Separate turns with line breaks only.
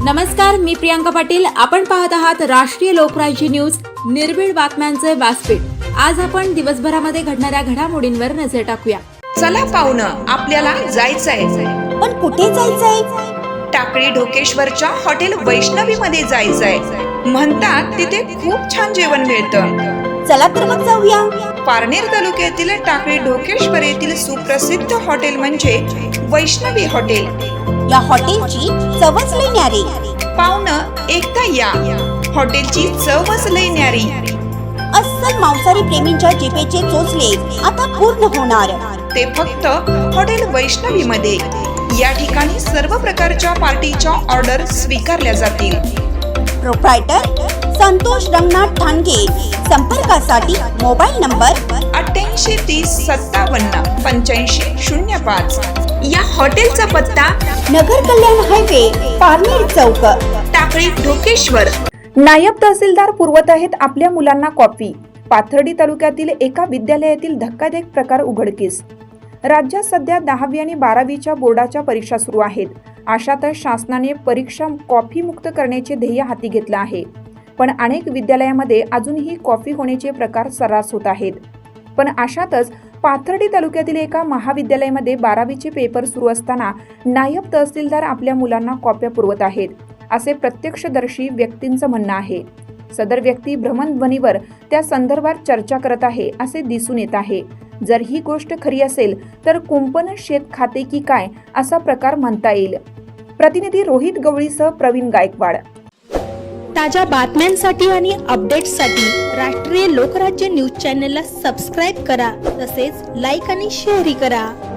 नमस्कार, मी प्रियांका पाटील. आपण पाहत आहात राष्ट्रीय लोकराज्य न्यूज, निर्भीड बातम्यांचे व्यासपीठ. आज आपण दिवसभरामध्ये घडणाऱ्या घडामोडींवर नजर टाकूया.
चला पाहुणं, आपल्याला जायचंय.
पण कुठे जायचंय?
टाकळी ढोकेश्वरच्या हॉटेल वैष्णवी मध्ये जायचंय. म्हणतात तिथे खूप छान जेवण मिळतं.
चला तर मग जाऊया.
पारनेर तालुक्यातील टाकळी ढोकेश्वर येथील सुप्रसिद्ध हॉटेल म्हणजे वैष्णवी हॉटेल.
या हॉटेलची चवच लई न्यारी.
पाहुणं, एकदा या. हॉटेलची चवच लई न्यारी.
अस्सल मांसाहारी प्रेमींच्या जिभेचे चोचले आता पूर्ण होणार.
ते फक्त हॉटेल वैष्णवी मध्ये. या ठिकाणी सर्व प्रकारच्या पार्टीच्या ऑर्डर स्वीकारल्या जातील.
प्रोप्रायटर संतोष रंगनाथ ठाणगे. संपर्कासाठी मोबाईल नंबर
8830578505. या हॉटेलचा पत्ता
नगर कल्याण हायवे, पारनेर चौक,
टाकळी ढोकेश्वर.
नायब तहसीलदार पुरवत आहेत आपल्या मुलांना कॉफी. पाथर्डी तालुक्यातील एका विद्यालयातील धक्कादायक प्रकार उघडकीस. राज्यात सध्या 10वी आणि 12वीच्या बोर्डाच्या परीक्षा सुरू आहेत. अशातच शासनाने परीक्षा कॉफी मुक्त करण्याचे ध्येय हाती घेतलं आहे. पण अनेक विद्यालयामध्ये अजूनही कॉफी होण्याचे प्रकार सर्रास होत आहेत. पण अशातच पाथर्डी तालुक्यातील एका महाविद्यालयामध्ये 12वीचे पेपर सुरू असताना नायब तहसीलदार आपल्या मुलांना कॉप्या पुरवत आहेत, असे प्रत्यक्षदर्शी व्यक्तींचं म्हणणं आहे. सदर व्यक्ती भ्रमणध्वनीवर त्या संदर्भात चर्चा करत आहे असे दिसून येत आहे. जर ही गोष्ट खरी असेल तर कुंपण शेत खाते की काय असा प्रकार म्हणता येईल. प्रतिनिधी रोहित गवळीसह प्रवीण गायकवाड.
ताज्या बातम्यांसाठी आणि अपडेट्ससाठी राष्ट्रीय लोकराज्य न्यूज चॅनलला सबस्क्राईब करा. तसेच लाईक आणि शेअरही करा.